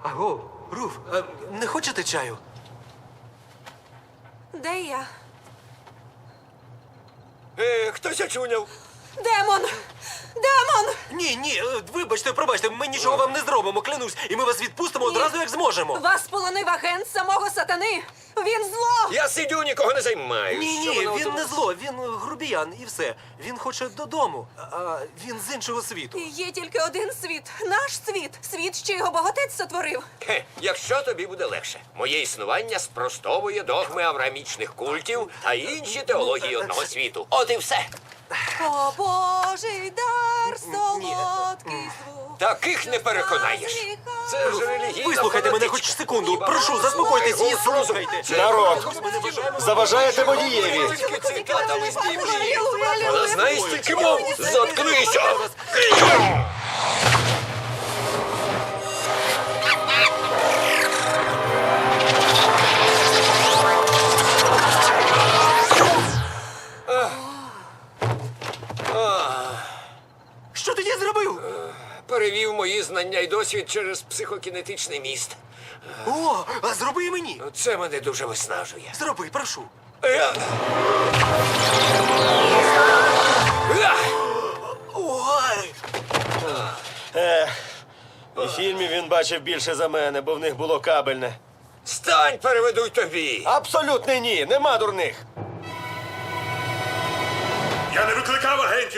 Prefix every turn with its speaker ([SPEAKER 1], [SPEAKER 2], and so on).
[SPEAKER 1] Аго, Руф, не хочете чаю?
[SPEAKER 2] Де я?
[SPEAKER 3] Хтось очуняв.
[SPEAKER 2] Демон! Демон!
[SPEAKER 1] Ні, вибачте, пробачте, ми нічого вам не зробимо, клянусь, і ми вас відпустимо одразу, як зможемо.
[SPEAKER 2] Вас полонив агент самого сатани! Він зло!
[SPEAKER 3] Я сидю, нікого не займаю.
[SPEAKER 1] Ні, він не зло, він грубіян і все. Він хоче додому, а він з іншого світу.
[SPEAKER 2] І є тільки один світ. Наш світ. Світ, що його богатець сотворив.
[SPEAKER 3] Якщо тобі буде легше. Моє існування спростовує догми авраамічних культів, а інші теології одного світу. От і все.
[SPEAKER 2] О, Божий дар, солодкий звук.
[SPEAKER 3] Таких не переконаєш. Це ж релігійна
[SPEAKER 1] Вислухайте мене
[SPEAKER 3] фанатичка.
[SPEAKER 1] хоч секунду. Прошу, заспокойтесь і слухайте.
[SPEAKER 4] Народ, заважаєте водієві.
[SPEAKER 3] Цитатами з Біблії. Вона знає стільки мов. Заткнися!
[SPEAKER 1] Що ти зробив?
[SPEAKER 3] Перевів мої знання і досвід через психокінетичний міст.
[SPEAKER 1] О, а зроби і мені.
[SPEAKER 3] Це мене дуже виснажує.
[SPEAKER 1] Зроби, прошу. Ой!
[SPEAKER 4] У фільмі він бачив більше за мене, бо в них було кабельне.
[SPEAKER 3] Стань, переведу й тобі.
[SPEAKER 4] Абсолютно ні, нема дурних.
[SPEAKER 5] Я не викликав агентів.